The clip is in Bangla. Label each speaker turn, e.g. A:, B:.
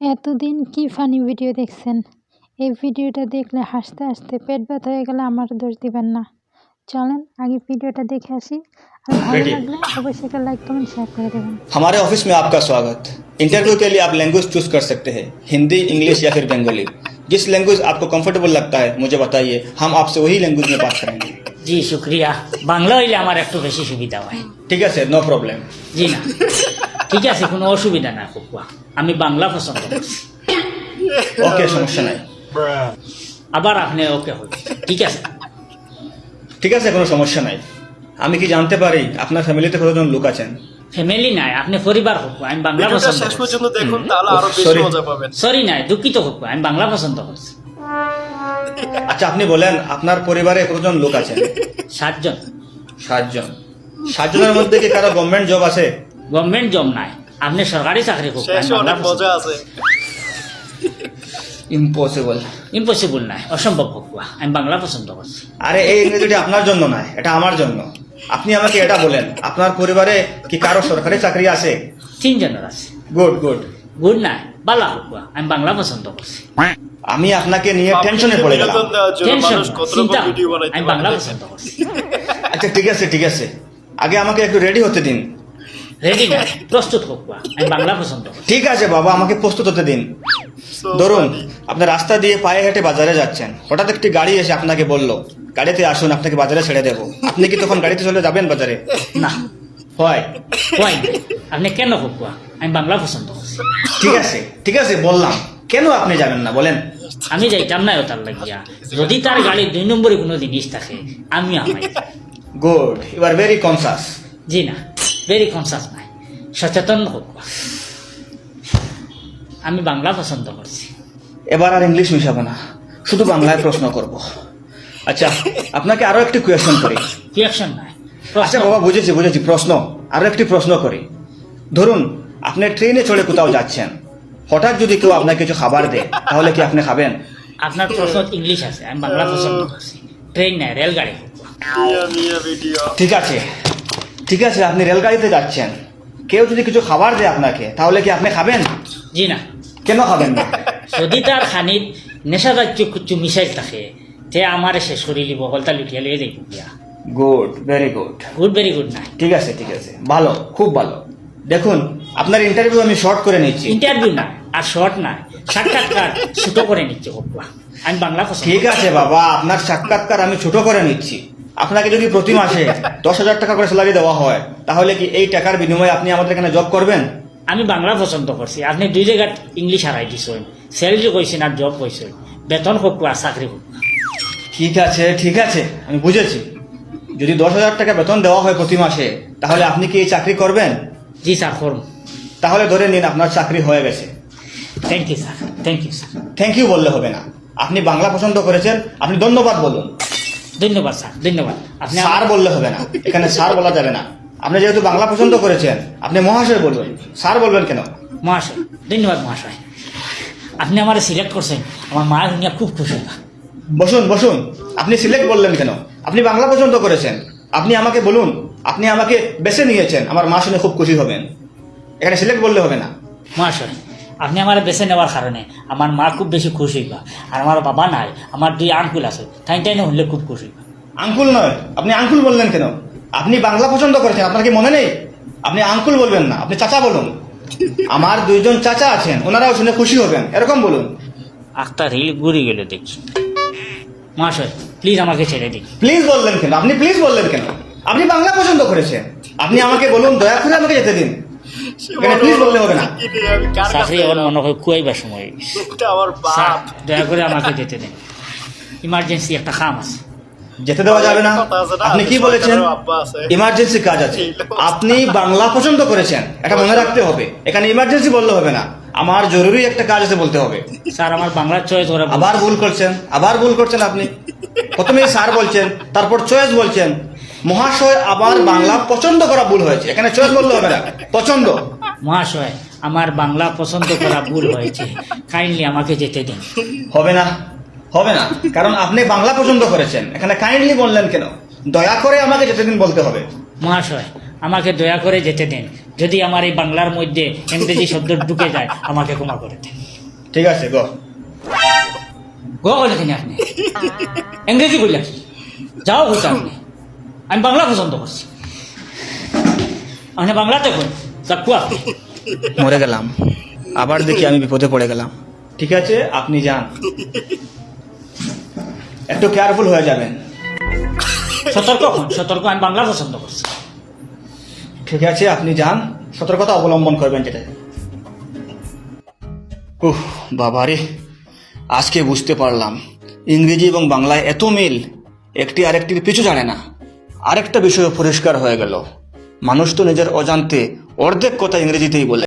A: এতদিন কি ফানি ভিডিও দেখছেন? এই ভিডিওটা দেখলে হাসতে হাসতে পেট ব্যথা হয়ে গেলে আমার দোষ দিবেন না। চলেন আগে ভিডিওটা দেখে আসি। আর ভালো লাগলে অবশ্যই একটা লাইক কমেंट शेयर করে দেবেন।
B: हमारे ऑफिस में आपका स्वागत। इंटरव्यू के लिए आप लैंग्वेज चूज कर सकते हैं, हिंदी, इंग्लिश या फिर बंगाली। जिस लैंग्वेज आपको कंफर्टेबल लगता है मुझे बताइए, हम आपसे वही लैंग्वेज में बात करेंगे।
C: জি শুক্রিয়া। বাংলা হইলে আমার একটু বেশি সুবিধা হয়।
B: ठीक है सर, नो प्रॉब्लम।
C: জি না, ঠিক আছে, কোনো অসুবিধা না কুকুয়া, আমি বাংলা পছন্দ করছি।
B: ओके, समस्या नहीं।
C: আবার আপনি ওকে হল, ঠিক আছে?
B: ঠিক আছে, কোনো সমস্যা নাই। আমি কি জানতে পারি আপনার ফ্যামিলিতে কতজন লোক আছেন?
C: ফ্যামিলি নাই, আপনি পরিবার কুকুয়া, আমি বাংলা
D: ভিডিওটা
C: পছন্দ
D: শেষ
C: করছি।
D: পর্যন্ত দেখুন, তাহলে আরো বেশি
B: Sorry.
D: মজা পাবেন।
C: সরি নাই, দুঃখিত কুকুয়া, আমি বাংলা পছন্দ করছি।
B: আচ্ছা, আপনি বলেন আপনার পরিবারে কতজন লোক আছেন?
C: 7 জন।
B: 7 জন। 7 জনের মধ্যে কি কারো গভর্নমেন্ট জব আছে?
C: গভর্নমেন্ট জব নাই, আপনি সরকারি চাকরি কুকুয়া,
D: শেষে অনেক মজা আছে।
B: ইম্পসিবল।
C: ইম্পসিবল নাই, অসম্ভব কুকুয়া, আমি বাংলা পছন্দ করছি।
B: আরে এই ইংরেজিটা আপনার জন্য নয়, এটা আমার জন্য। আপনি আমাকে এটা বলেন, আপনার পরিবারে কি কারো সরকারি চাকরি আছে?
C: 3 জনের আছে।
B: Good good.
C: গুড নাই, বালা কুকুয়া, আমি বাংলা পছন্দ করছি।
B: আমি আপনাকে নিয়ে টেনশনে পড়ে গেলাম।
D: বিনোদন দেওয়ার জন্য
C: টেনশন
D: মানুষ কত
C: চিন্তা,
D: রকম ভিডিও বানাইতে
C: আমি
D: পারে
C: বাংলা
D: দেখেন।
C: পছন্দ করছি।
B: আচ্ছা ঠিক আছে ঠিক আছে, আগে আমাকে একটু রেডি হতে দিন।
C: রেডি না, প্রস্তুত কুকুয়া, আমি বাংলা পছন্দ করছি।
B: ঠিক আছে বাবা, আমাকে প্রস্তুত হতে দিন।
D: So
B: ধরুন,
D: funny.
B: আপনি রাস্তা দিয়ে পায়ে হেঁটে বাজারে যাচ্ছেন, হঠাৎ একটি গাড়ি এসে আপনাকে বলল গাড়িতে আসুন, আপনাকে বাজারে ছেড়ে দেবো। আপনি কি তখন গাড়িতে চলে যাবেন বাজারে?
C: না,
B: হয়।
C: হয় না। আপনি কেন কুকুয়া, আমি বাংলা পছন্দ করছি।
B: ঠিক আছে বললাম, কেন আপনি যাবেন না বলেন?
C: আমি যাইতাম না তার লাগিয়া, যদি তার গাড়ির 2 নম্বরে কোনো জিনিস থাকে আমি আমাই।
B: Good, you are very conscious.
C: জি না, ভেরি কনসাস নাই, সচেতন কুকুয়া, আমি বাংলা পছন্দ করছি।
B: এবার আর ইংলিশ মিশাবো না, শুধু বাংলায় প্রশ্ন করব। আচ্ছা, আপনাকে আরো একটি কোয়েশ্চন করি।
C: রিয়াকশন নাই,
B: আচ্ছা বাবা, বুঝেছি প্রশ্ন, আরো একটি প্রশ্ন করি। ধরুন, আপনি ট্রেনে চড়ে কোথাও যাচ্ছেন, হঠাৎ যদি কেউ আপনাকে কিছু খাবার দেয়, তাহলে কি আপনি খাবেন?
C: আপনার প্রশ্ন ইংলিশ আছে, আমি বাংলা পছন্দ করছি। ট্রেন নাই, রেলগাড়ি কুকুয়া।
D: মিয়া ভিডিও।
B: ঠিক আছে, আপনি রেলগাড়িতে যাচ্ছেন, কেউ যদি কিছু খাবার দেয় আপনাকে, তাহলে কি আপনি খাবেন?
C: জি না,
B: কেন খাবেন না?
C: যদি তার খানিত নেশাজাতীয় কিছু মিশাইল থাকে, তে আমারে শেষ করে দিব, হলতা লুটিয়া লিয়ে যাইব গিয়া।
B: Good, very good.
C: Good, very good নাই।
B: ঠিক আছে ভালো, খুব ভালো। দেখুন, আপনার ইন্টারভিউ আমি শর্ট করে নিচ্ছি।
C: ইন্টারভিউ না, আর শর্ট নাই, সাক্ষাৎকার ছোট করে নিচ্ছে কুকুয়া, আমি বাংলা পছন্দ।
B: ঠিক আছে বাবা, আপনার সাক্ষাৎকার আমি ছোট করে নিচ্ছি। আপনাকে যদি প্রতি মাসে 10,000 টাকা করে স্যালারি দেওয়া হয়, তাহলে কি এই টাকার বিনিময়ে আপনি আমাদের এখানে জব করবেন?
C: আমি বাংলা পছন্দ করছি, আপনি 2 জায়গায় ইংলিশ হারাই দিছেন, স্যালারি কইছেন আর জব কইছেন, বেতন কুকুয়া, চাকরি কুকুয়া।
B: ঠিক আছে, আমি বুঝেছি। যদি 10,000 টাকা বেতন দেওয়া হয় প্রতি মাসে, তাহলে আপনি কি এই চাকরি করবেন?
C: জি স্যার, করুন।
B: তাহলে ধরে নিন আপনার চাকরি হয়ে গেছে।
C: Thank you sir, thank you sir.
B: Thank you বললে হবে না, আপনি বাংলা পছন্দ করেছেন, আপনি ধন্যবাদ বলুন।
C: ধন্যবাদ স্যার, ধন্যবাদ। আপনি
B: স্যার বললে হবে না, এখানে স্যার বলা যাবে না। আপনি যেহেতু বাংলা পছন্দ করেছেন, আপনি মহাশয় বলবেন, স্যার বলবেন কেন?
C: মহাশয়, ধন্যবাদ মহাশয়। আপনি আমার সিলেক্ট করছেন, আমার মা দুনিয়া খুব খুশি।
B: বসুন। আপনি সিলেক্ট বললেন কেন? আপনি বাংলা পছন্দ করেছেন, আপনি আমাকে বলুন, আপনি আমাকে বেছে নিয়েছেন, আমার মা শুনে খুব খুশি হবেন। এখানে সিলেক্ট বললে হবে না।
C: মহাশয়, আপনি আমার বেছে নেওয়ার কারণে আমার মা খুব বেশি খুশি হইবা, আর আমার বাবা নাই, আমার 2 আঙ্কুল আছে, টাইনে হলে খুব খুশি হইবা।
B: আঙ্কুল নয়, আপনি আঙ্কুল বললেন কেন? আপনি বাংলা পছন্দ করেছেন, আপনার কি মনে নেই? আপনি আঙ্কুল বলবেন না, আপনি চাচা বলুন। আমার 2 জন চাচা আছেন, ওনারাও শুনে খুশি হবেন, এরকম বলুন।
C: একটা রিল ঘুরে গেলে দেখি। মহাশয়, প্লিজ আমাকে ছেড়ে দিন।
B: প্লিজ বললেন কেন? আপনি প্লিজ বললেন কেন? আপনি বাংলা পছন্দ করেছেন, আপনি আমাকে বলুন, দয়া করে আমাকে যেতে দিন। এখানে প্লিজ বললে হবে না।
D: আমি কার কাছে
C: চাকরি আমার মনে হয় কুয়াইবার সময় হয়ে গেছে।
D: এটা আমার
C: স্যার,
D: বাপ।
C: দয়া করে আমাকে যেতে দিন, ইমার্জেন্সি একটা কাম আছে।
B: যেতে দেওয়া যাবে না? আপনি কি বলেছেন? ইমার্জেন্সি কাজ আছে। আপনি বাংলা পছন্দ করেছেন, এটা মনে রাখতে হবে। এখানে ইমার্জেন্সি বললে হবে না, আমার জরুরি একটা কাজ আছে বলতে হবে।
C: স্যার, আমার বাংলার চয়েস ওরা
B: আবার ভুল করছেন আপনি। প্রথমে স্যার বলছেন, তারপর চয়েস বলছেন। মহাশয়, আবার বাংলা পছন্দ করা ভুল হয়েছে, এখানে চয়েস বললে হবে না, পছন্দ।
C: মহাশয়, আমার বাংলা পছন্দ করা ভুল হয়েছে, কাইন্ডলি আমাকে যেতে দিন।
B: হবে না, কারণ আপনি বাংলা পছন্দ করেছেন, এখানে কাইন্ডলি বললেন কেন? দয়া করে আমাকে যেতে দিন বলতে হবে।
C: মহাশয়, আমাকে দয়া করে যেতে দিন, যদি আমার এই বাংলার মধ্যে ইংরেজি শব্দ ঢুকে যায় আমাকে ক্ষমা করে দেন।
B: ঠিক আছে গো।
C: গো বলেছেন আপনি, ইংরেজি বললেন যাও হচ্ছে আপনি, আমি বাংলা পছন্দ করছি, আপনি বাংলাতে বল চাকু আপনি।
B: মরে গেলাম, আবার দেখি আমি বিপদে পড়ে গেলাম। ঠিক আছে আপনি যান, একটু কেয়ারফুল হয়ে যাবেন।
C: সতর্ক হন, সতর্ক, আমি বাংলা পছন্দ করছি।
B: ঠিক আছে আপনি যান, সতর্কতা অবলম্বন করবেন যেটা। উহ বাবারে, আজকে বুঝতে পারলাম ইংরেজি এবং বাংলায় এত মিল, একটি আরেকটির পিছু জানে না। আরেকটা বিষয় পরিষ্কার হয়ে গেল, মানুষ তো নিজের অজান্তে অর্ধেক কথা ইংরেজিতেই বলে।